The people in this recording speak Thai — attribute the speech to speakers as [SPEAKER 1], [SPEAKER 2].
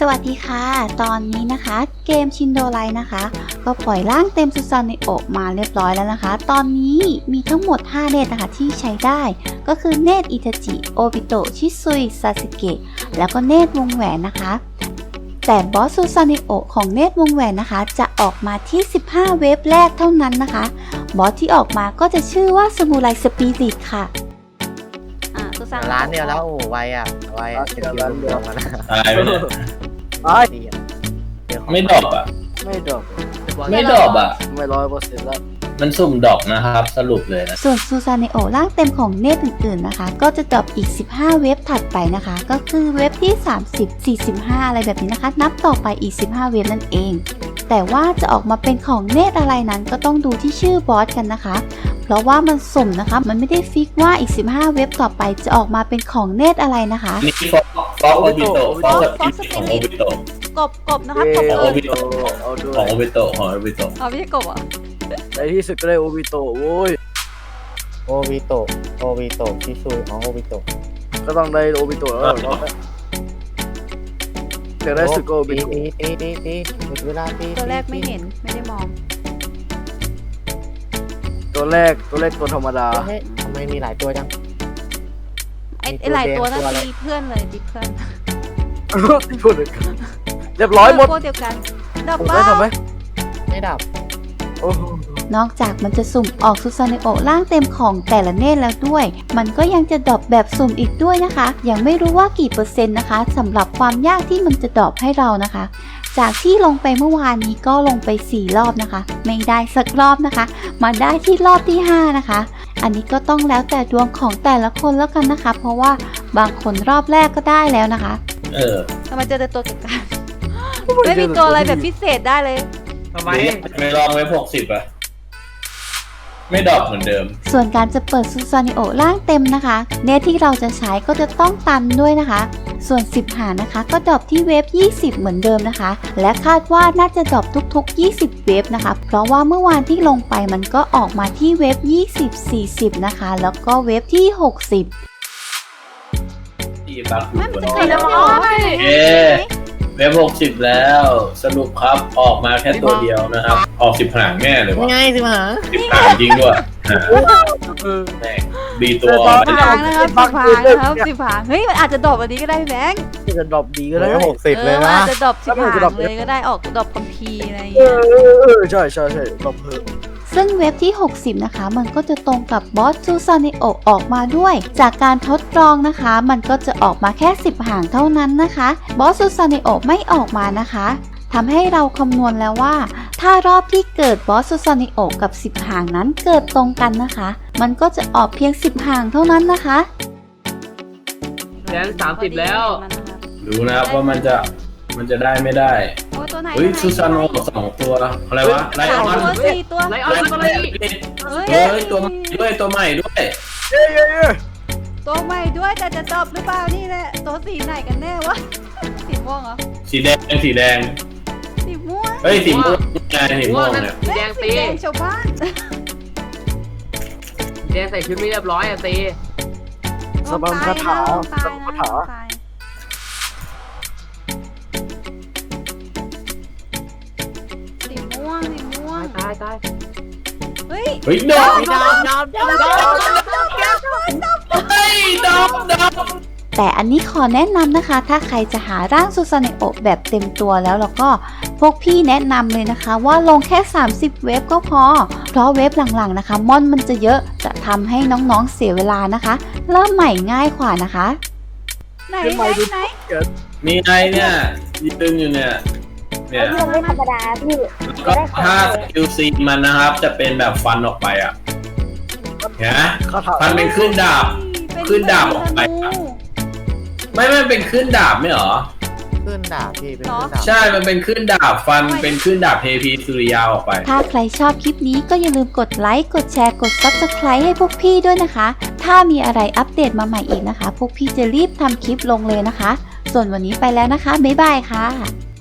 [SPEAKER 1] สวัสดีค่ะตอนนี้นะคะเกมชินโดไลนะคะก็ปล่อยร่างเต็มซูซานิโอะมาเรียบร้อยแล้วนะคะตอนนี้มีทั้งหมด5เนตรนะคะที่ใช้ได้ก็คือเนตรอิทาจิโอบิโตะชิซุยซาสึเกะแล้วก็เนตรวงแหวนนะคะแต่บอสซูซานิโอะของเนตรวงแหวนนะคะจะออกมาที่15เวฟแรกเท่านั้นนะคะบอสที่ออกมาก็จะชื่อว่าซามูไรสปิริตค่ะ
[SPEAKER 2] ร้านเดียวแล้วโอ้ไวอ่ะเสร็จร้านเดียวกันนะ
[SPEAKER 3] ตายไปเลย ไม่ดรอปอ่ะ
[SPEAKER 2] ไม่ดรอป
[SPEAKER 3] ไม่ดรอปอ่ะ
[SPEAKER 2] ไม่100%แล้ว
[SPEAKER 3] มันสุ่มดรอปนะครับสรุปเลยนะ
[SPEAKER 1] ส่วนซูซาเนโอร่างเต็มของเนตรอื่นๆนะคะก็จะดรอปอีก15เว็บถัดไปนะคะก็คือเว็บที่30 45อะไรแบบนี้นะคะนับต่อไปอีก15เว็บนั่นเองแต่ว่าจะออกมาเป็นของเนตรอะไรนั้นก็ต้องดูที่ชื่อบอสกันนะคะเพราะว่ามันสุ่มนะคะมันไม่ได้ฟิกว่าอีก15เว็บต่อไปจะออกมาเป็นของเนตรอะไรนะคะ
[SPEAKER 3] นี่ฟอกโอบิโตะฟอกสปิริตของโอบิโตะ
[SPEAKER 1] กบนะคะกบ
[SPEAKER 3] ของโอบิโตะ
[SPEAKER 2] เอาด้ว
[SPEAKER 3] ของ
[SPEAKER 2] ย
[SPEAKER 3] โอบิโตะของโอบิโตะ
[SPEAKER 1] ไม่ใช่กบอ่ะ
[SPEAKER 2] ในที่สุดก็ได้โอบิโตะโว้ย
[SPEAKER 4] โอบิโตะชิซุยของโอบิโตะ
[SPEAKER 2] ก็ต้องได้โอบิโตะแล้วเดี๋ยวได้สุดก็โอบิโตะ
[SPEAKER 4] ตีหมดเวลาตี
[SPEAKER 1] ตัวแรกไม่เห็นไม่ได้มอง
[SPEAKER 2] ตัวแรกตัวธรรมดา
[SPEAKER 4] เฮ้ยทำไมมีหลายตัวจัง
[SPEAKER 1] ไอ้หลายตัวนั่นตีเพื่อนเลยตีเพื่อน
[SPEAKER 2] พูดเลยเรียบร้อยหมด
[SPEAKER 1] พวกเดียวกันดอก
[SPEAKER 2] ผม
[SPEAKER 1] บ้า
[SPEAKER 2] ได้ทำไหม
[SPEAKER 4] ไม่ดับ
[SPEAKER 2] โอ้โห
[SPEAKER 1] นอกจากมันจะสุ่มออกซูซาเนโอะร่างเต็มของแต่ละเนตรแล้วด้วย มันก็ยังจะดรอปแบบสุ่มอีกด้วยนะคะ ยังไม่รู้ว่ากี่เปอร์เซ็นต์นะคะสำหรับความยากที่มันจะดรอปให้เรานะคะ จากที่ลงไปเมื่อวานนี้ก็ลงไป4รอบนะคะ ไม่ได้สักรอบนะคะ มาได้ที่รอบที่5นะคะ อันนี้ก็ต้องแล้วแต่ดวงของแต่ละคนแล้วกันนะคะ เพราะว่าบางคนรอบแรกก็ได้แล้วนะคะ ทำไมเจอแต่ตัวกักๆไม่มีตัวอะไรแบบพิเศษได้เลย
[SPEAKER 3] ทำไมไม่ลองไว้60อ่ะไม่ดรอปเหมือนเดิม
[SPEAKER 1] ส่วนการจะเปิดซูซานิโอะร่างเต็มนะคะเนตที่เราจะใช้ก็จะต้องตันด้วยนะคะ ส่วน10หานะคะก็ดรอปที่เวฟ20เหมือนเดิมนะคะและคาดว่าน่าจะดรอปทุกๆ20เวฟนะคะเพราะว่าเมื่อวานที่ลงไปมันก็ออกมาที่เวฟ20 40นะคะแล้วก็เวฟที่60
[SPEAKER 3] ที่บัก
[SPEAKER 1] ไม่มันจะ
[SPEAKER 3] เ
[SPEAKER 1] เกิดอะไร
[SPEAKER 3] ว็บ60แล้วสรุปครับออกมาแค่ตัวเดียวนะครับออก10หางแน่เลยวะ
[SPEAKER 4] ง่ายสิมา
[SPEAKER 3] 10หางจริงด้วยแม่ดีตัว
[SPEAKER 1] 10หางนะครับ10หางนะครับ10หางเฮ้ยมันอาจจะดรอปอันนี้ก็ได้พี่แบงค์
[SPEAKER 2] จะดรอปดีก็ได้
[SPEAKER 4] 60เลย
[SPEAKER 1] มัน
[SPEAKER 4] นะ
[SPEAKER 1] อาจจะดรอป10หางเลยก็ได้ออกดรอปคัมภีร์อะไรอย่าง
[SPEAKER 2] เอ
[SPEAKER 1] เงี้ย
[SPEAKER 2] อใช่ดรอปเพิ่ม
[SPEAKER 1] ซึ่งเว็บที่ 60 นะคะ มันก็จะตรงกับบอสซูซาเนโอะออกมาด้วย จากการทดลองนะคะ มันก็จะออกมาแค่10หางเท่านั้นนะคะบอสซูซาเนโอะไม่ออกมานะคะทำให้เราคำนวณแล้วว่า ถ้ารอบที่เกิดบอสซูซาเนโอะกับ10หางนั้นเกิดตรงกันนะคะ มันก็จะออกเพียง10หางเท่านั้นนะคะ
[SPEAKER 5] แล้ว30แล้ว
[SPEAKER 3] ดูนะครับว่ามันจะได้ไม่ได้
[SPEAKER 1] โอ้ตัวไหน
[SPEAKER 3] เฮ้ยซูซานโน2ตัวอะไรวะไลออน
[SPEAKER 1] ตัว4ตัว
[SPEAKER 5] ไลออนก็เลย
[SPEAKER 3] เฮ้ยตัวใหม่ด้วยตัวใหม่ด้วย
[SPEAKER 1] ตัวใหม่ด้วยแต่จะดรอปหรือเปล่านี่แหละตัวสีไหนกันแน่วะสีม่วงเหรอ
[SPEAKER 3] สีแดง
[SPEAKER 1] สีม่วง
[SPEAKER 3] เฮ้ยสีม่วงไงสีม่วงเนี่ย
[SPEAKER 5] แดง
[SPEAKER 1] สี
[SPEAKER 5] ตี
[SPEAKER 1] แดงชาวบ้าน
[SPEAKER 5] แดงใส่ชุดไม่เรียบร้อยอ่ะตี
[SPEAKER 2] สบัมคาถาสบัมคาถา
[SPEAKER 1] สีม่วง
[SPEAKER 5] ตาย
[SPEAKER 1] เฮ้ย
[SPEAKER 3] เฮ้ยดอก
[SPEAKER 4] ดอบ
[SPEAKER 3] เฮ้ยดอก
[SPEAKER 1] แต่อันนี้ขอแนะนำนะคะ ถ้าใครจะหาร่างซูซาเนโอะแบบเต็มตัวแล้วก็พวกพี่แนะนำเลยนะคะว่าลงแค่30เว็บก็พอเพราะเว็บหลังๆนะคะม่อนมันจะเยอะจะทำให้น้องๆเสียเวลานะคะเริ่มใหม่ง่ายกว่านะคะไหน
[SPEAKER 3] มีไงเนี่ยยืนอยู่เนี่ยเนี่ย
[SPEAKER 6] ไม่ธรรมดาพี่
[SPEAKER 3] ก็ถ้าสกิลซีมันนะครับจะเป็นแบบฟันออกไปอ่ะเห็นไหม
[SPEAKER 2] คาถา
[SPEAKER 3] ฟันเป็นขึ้นดาบขึ้นดาบออกไปไม่เป็นขึ้นดาบไม่หรอ
[SPEAKER 4] ขึ้นดาบพี่เป็นขึ้นดาบ
[SPEAKER 3] ใช่มันเป็นขึ้นดาบฟันเป็นขึ้นดาบเทพีสุริยาออกไป
[SPEAKER 1] ถ้าใครชอบคลิปนี้ก็อย่าลืมกดไลค์กดแชร์กด Subscribe ให้พวกพี่ด้วยนะคะถ้ามีอะไรอัปเดตมาใหม่อีกนะคะพวกพี่จะรีบทำคลิปลงเลยนะคะส่วนวันนี้ไปแล้วนะคะบ๊ายบายค่ะ